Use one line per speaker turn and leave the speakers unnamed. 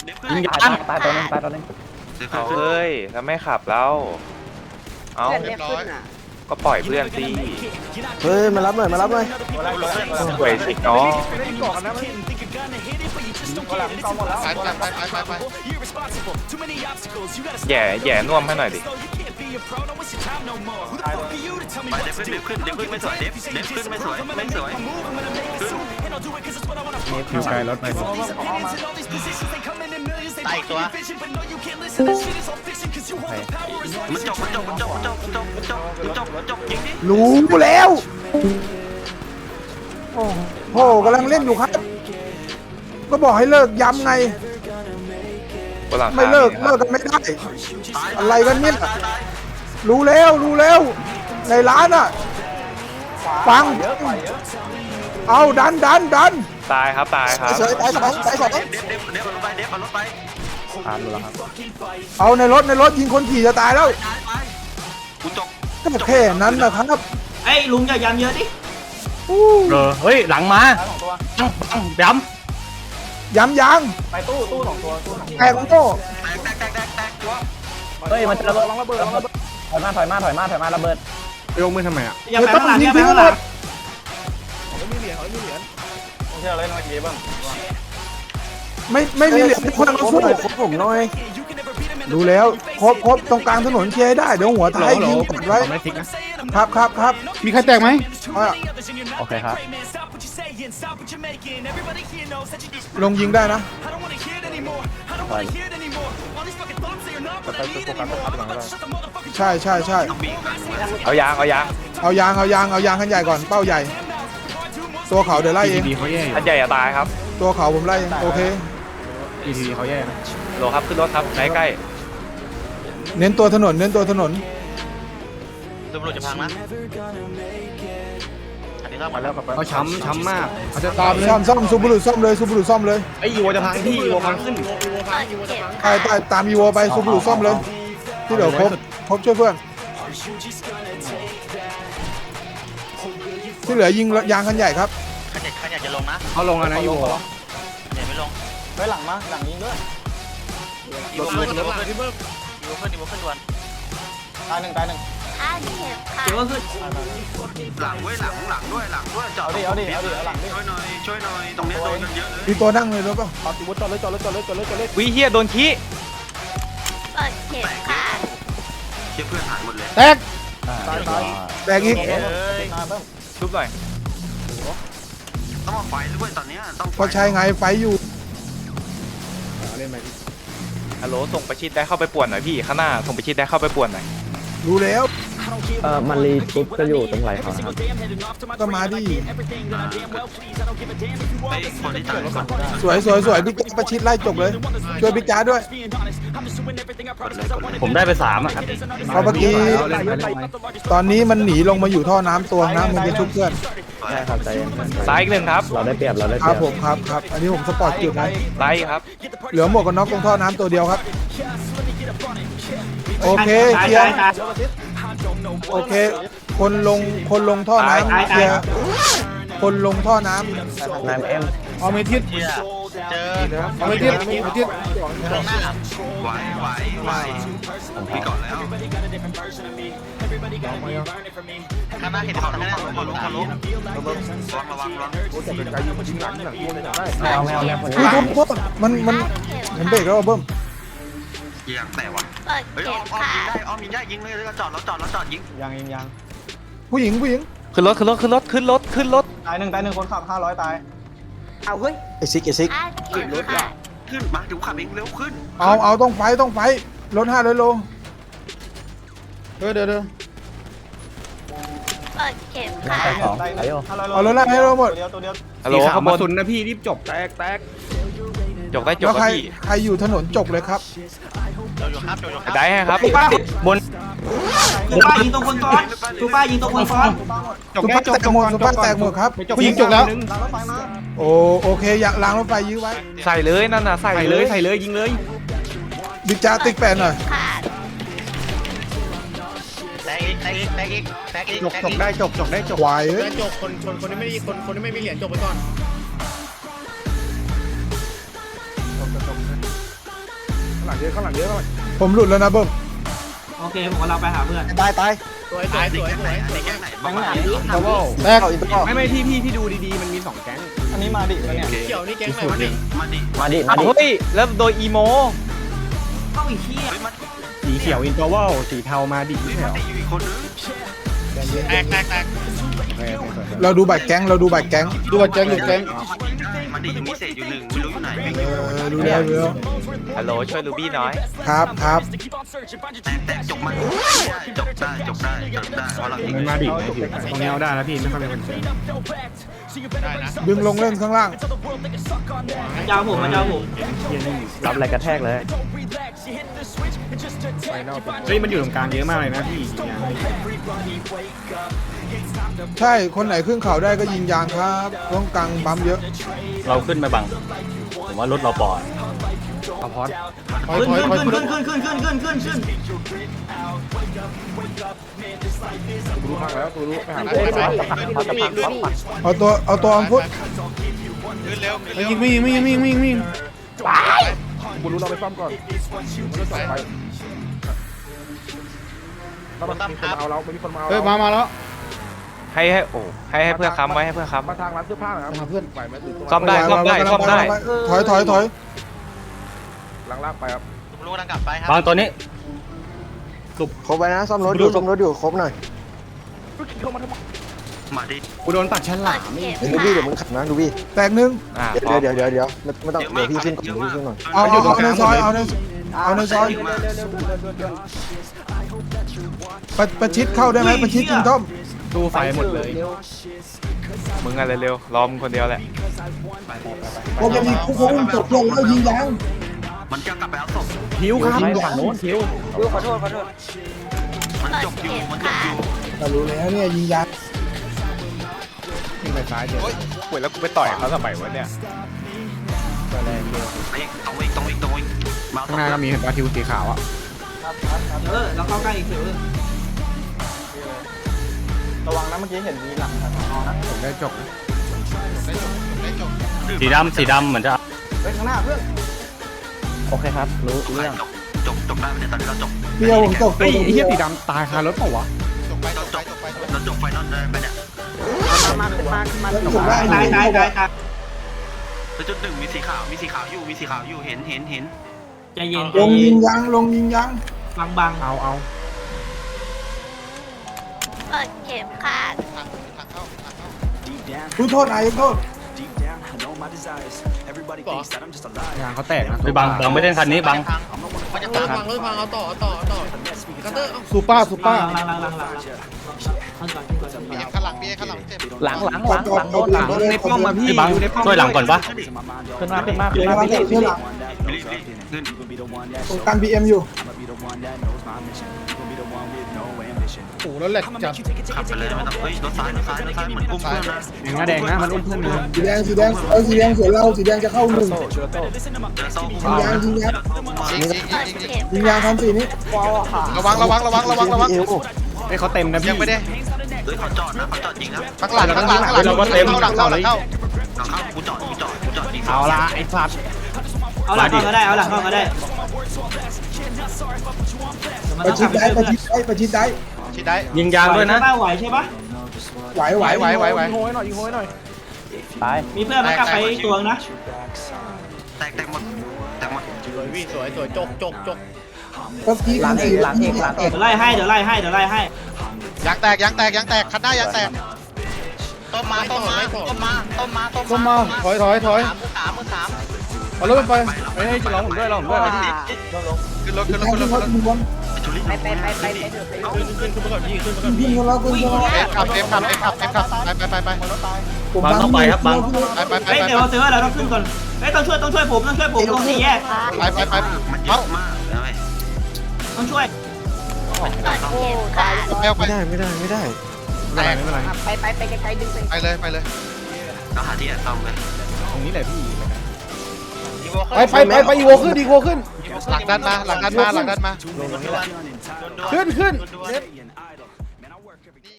ยิงยางตายตัวนึง
เอาเฮ้ยแล้วไม่ขับแล้วเอาก็ปล่อยเพื่อนสิ
เฮ้ยมารับหน่อย
สวยสิน้อง
ไป
แย่น่วมให้หน่อยดิ
เดฟขึ้นไม่สวยเดฟขึ้นไม่สวย
มีผิวไกลรถไป
ตายตัวมันจบยิงดิ
รู้แล้วโอ้โหกำลังเล่นอยู่ครับ ก็บอกให้เลิกย้ำไง ไม่เลิกกันไม่ได้ อะไรกันเนี่ยรู้แล้วในร้านอ่ะฟังเอาดัน
ตายครับตาย
เฉยตายสอง
เดฟเอารถไป
ผ่านแล้วครับ
เอาในรถยิงคนขี่จะตายแล้ว
กูจบ
ก็แค่นั้นนะครับ
ไอ้ลุงอย่าย้ำเยอะดิ
เฮ้ยหลังมาย้
ย้ำยาง
ไปตู้สองตัว
แตกโง่
แตกตัว
เฮ้ยมันจะระเบิดถอยมาระเบิด
ยกมือทำไมอ่ะ
อย่าไปข้างหลังอย่าไปข้างหลัง
เชื่อเลยน้อยเกบ้าง
ไม่มีเหรียญทุกคนมาสู้ผมหน่อยดูแล้วครบตรงกลางถนนเคลียร์ได้เดี๋ยวหัวท้ายยิงกดไว้ครับมีใครแตกไหม
โอเคครับ
ลงยิงได้นะใช่
เอายาง
เอายางขั้นใหญ่ก่อนเป้าใหญ่ ตัวเขาเดี๋ยวไล่เอง
ท่านใหญ่จะตายครับ
ตัวเขาผมไล่เองโอเค
เขาแย่นะ
โลครับขึ้นรถครับใกล้
เน้นตัวถนน
ตำรวจจะพังนะอันนี้เข้ามาแล้ว
เขาช้ำมากเขาจะ
ตามซ่อมซูบูรุซ่อมเลย
ไอ้ยีโวจะพังพี่ยีโวพังขึ้น
ตามอีโวไปซูบูรุซ่อมเลยที่เดี๋ยวครบช่วยเพื่อนที่เหลือยิงยางคันใหญ่ครับ
ขันอยากจะลงนะ
เขาลงแล้วนะยีโว
อย่าไม่ลง
ไปหลังยิงด้วย
อีโวขึ้นด่วน
ตายหนึ่ง
เดี๋ยวก็ขึ้น
หลังด้วยจอด
เอาดิหลังดิ
ช่วยหน่อยตรงนี้โดนกันเยอะเลย
มีตัวนั่งเลยรู้ป่ะ
จอดเลย
ๆวิเฮียโดนขี้
เชื่อเพื่อนหายหมดเลย
แตกแตกอีก
ชุบหน่อย
ต้องมาไฟด้วยตอนนี้ต้อง
ก็ใช่ไงไฟอยู่
ฮัลโหลส่งประชิดได้เข้าไปป่วนหน่อยพี่ข้างหน้าส่งประชิดได้เข้าไปป่วนหน่อย
รู้แล้ว
มันรีชุบจะอยู่ตรงไหนเขาครับ
ก็มาดิ
ไปคนที่ตายก่อน
สวยบิ๊กประชิดไล่จบเลยช่วยบิ๊กจ้าด้วย
ผมได้ไป3อ่ะครับ
เพราะเมื่อกี้ตอนนี้มันหนีลงมาอยู่ท่อน้ำตัวนะมึงจะชุบเพื่อน
ใช่ครับใจเย็น
ตายอีกหนึ่งครับ
เราได้เปรียบ
ครับผมครับอันนี้ผมสปอร์ตจุดนะ
ตายครับ
เหลือหมวกกันน็อกตรงท่อน้ำตัวเดียวครับโอเค
ตาย
เคลียร์
ตาย
โอเคคนลงท่อน้ำเคลียร์คนลงท่อน้ำ
นายเอ็ม
เอาเมทิส
เจอ
เอาเมทิส
ตรงหน้าไหวพี่ก่อนแล้วข้างหน้าเห็นเขาข้างหน้าเขาล้มระวัง
แมวคน
อุ้ย
นี้
โทษมันผมเบรกแล้วเบิ้ม
เยี่ยงแต่ว่ะเฮ้ยอ้อมยิงได้ยิงเลยแล้วจอดยิง
ยัง
ผู้หญิง
ขึ้นรถ
ตายหนึ่งคนขับ500ตาย
ไอซิก
ขึ้นมาเดี๋ยวขับเองเร็วขึ้น
เอาต้องไฟรถ500 โลเดี๋ยว
ตาย2อายุ
เอารถ500 โลหมด
ตัวเดียว
ฮัลโหลขบวน
สุนนะพี่รีบจบแตก
จบได้จบ
แล้ว
ครับพี่
ใครอยู่ถนนจบเลยครับ
ได้ให้ครับ
บน
ซูป้ายิงตรงคนซ้อนซูป้ายิงตรงคนซ้อน
สุภาพแตกหมดครับผู้หญิงจบแล้วโอเคอยากล้างรถไฟยื้อไว้
ใส่เลยนั่นน่ะใส่
ใส่
เล
เลย ยยิงเลย
บิ๊กจ้าติ๊กแปนหน่อย
แตกอีก
จบได้จบ
ควายเอ้ย
จบคนที่ไม่มีคนที่ไม่มีเหรียญจบไปก่อนงเยอะข้างหลังเยอะข้างหลัง
ผมหลุดแล้วนะเบิ้ม
โอเคผมกำลังไปหาเพื่อน
ตาย
สวยสวยสวยสวย
แก๊งไหนบ้าง
แตก
ไม่พี่ดูดีๆมันมี2แก๊ง
อันนี้มาดิแล้วเนี่ย
เกี่ยวนี่แก๊งไหนมาดิ
มาดิ
มาดิ
อ้าวเฮ้ยแล้วโดยอีโม
เข้าอีกที่
เฮ้ยมา
สีเขียวอินเตอร์วัลสีเทามาดิ
ดิอยู่อีกคนนึง
แตก
เราดูบัตรแก๊งเราดูบัตรแก๊งดูบัตรแก๊งดูแก๊ง
มาดิยังมีเศษอยู่หนึ่งไม่รู้อยู่ไหน
ดูแล้วดูแล้ว
ฮัลโหลช่วยลูบี้น้อย
ครับครับ
แต่จบมันจบได้เพราะเรายิง
มันมาดิตรงนี้เอาได้แล้วพี่ไม่ค่อยมีคนเจอได้นะ
ดึงลงเล่นข้างล่าง
มันจะเอาผมมันจะเอาผม
รับอะไรกระแทกเลย
เฮ้ยมันอยู่ตรงกลางเยอะมากเลยนะพี่
ใช่คนไหนขึ้นเขาได้ก็ยิงยางครับต้องกลางปั๊มเยอะ
เราขึ้นไปบัง ผมว่ารถเราปลอด
เอาพอด
ขึ้น
กูรู้พักแล้วกูรู้ไปหา
เอาตัวอัมพุท
ยิงกูรู้เราไปซ่อมก่อนมันจะไปเรามีคนเอาเราไม่มีคนมาเอามาแล้ว
ให้ให้เพื่อนค้ำไว้ให้เพื่อนค้ำ
มาทางร้านเสื้อผ้านะครับเพื่อนไหวไหม
ซ่อมได้ซ่อมได้
ถอย
ล่างไปครับ
รู้กำลังกลับไปครับ
บางตัวนี้
ครบไปนะซ่อมรถอยู่ครบหน่อย
มาดิ
กูโดนตัดชั้นหลัง
ดูพี่เดี๋ยวมึงขับนะดูพี่แตกหนึ่ง
พร้อม
เดี๋ยวไม่ต้องเดี๋ยวพี่ขึ้นก่อนพี่ขึ้นก่อน
เอาในซอย
เอาในซอยประชิดเข้าได้ไหมประชิดจิงต้อม
ตู้ไฟหมดเลย
มึงอะไรเร็วรอมึงคนเดียวแหละ
ผมจะมีคู่คงตกลงแล้วยิงยาง
มันจะกลับไปเอาศพ
หิวครับ
ฝั่งโน้นคิว
มันจบอยู่
แต่รู้แล้วเนี่ยยิงยาง
ยิงไปซ้ายเดี๋ยว
ป่วยแล้วกูไปต่อยเขาทำไมวะเนี่ย
ต้องอีกมา
ข้างหน้าก็มีเห็นปลาทิวสีขาวอ่ะ
เราเข้าใกล้อีก
ระวังนะเมื่อกี้เห็นมีหลังนะ
ผมได้จบ
สีดำเหมือนจะ
เฮ้ยข้างหน้าเพื่อนโอเคครับรู้เรื่อง
จบได้ไม่ได้ตอนนี้เราจบ
เพี่ยวผมตก
เฮ้ยไอ้เหี้ยสีดำตายคารถเปล่าวะ
เราจบไฟนอลได้ไปเนี่ย
ถูกได้
ตาย
แล้วจุดหนึ่งมีสีขาวอยู่เห็น
ใจเย็น
ลงยิงยาง
บาง
เอา
เปิดเข็มขัด
คุณโทษนายโทษ
ยางเขาแตกนะ
ไปบังไม่ได้คันนี้บัง
มันจะตามรถพังเอาต่อกัตเตอร์
ซูเปอร์
หลัง
ข้างหลังเจ็บ
หลังโน้นหลัง
ในป้อมมาพี่
พี่บังช่วยหลังก่อนปะ
ขึ้นมา
เชื่อหลัง
ขึ้น
การบีเอ็มอยู่
โอ้แล้วแหละจับ
ขับไปเลยไม่ต้องรถซ้ายเหมือนอุ้มเพื่อนนะ
แดงนะมันอุ้มเพื่อนนะ
สีแดงสีแดงสวยเราสีแดงจะเข้าหนึ่ง
เชือโต้
ยิงยาง
เปิดเข็ม
ยิงยางทำสีนี้
ระวังไอ้เขาเต็มนะพี่ยังไม่ได้
เขาจอดยิงนะ
ข้างหลังเราก็เต็มหลังเข้า
กูจอดยิง
เอาละไอ้สัตว์
เอาหลังเข้าก็ได้
ประชิดได้
ยิงยางด้วยนะ
ไหวใช่ปะ
ไหว
ยิงโหยหน่อย
ตาย
มีเพื่อนมากลับไปตัวนะ
แตกหมด
สวยพี่สวยจก
ก็พี
หลังเอกหลังเอก
เดี๋ยวไล่ให้
ยางแตกคันหน้ายางแตกต้มมาถอย
เอารถไปให้จะร้องผมด้วยพี่
ขึ้นรถ
ขึ้นไปก่อนพี่ขึ้นเรา
ไป
บังต้องไปครับบัง
เฮ้ยเดี๋ยวซื้อเราต้องขึ้นก่อนเฮ้ยต้องช่วยผมตรงสี่แยก
มันเยอะมากเลย
ต้องช่วย
เปิดเข็มขัด
ไม่ได้
ไม่เป็นไร
ไปไกลๆดึงไป
เราหาที่แอบซ่อมเลย
ตรงนี้แหละพี่
ไปอีโวขึ้น
หลังด้านมา
ขึ้น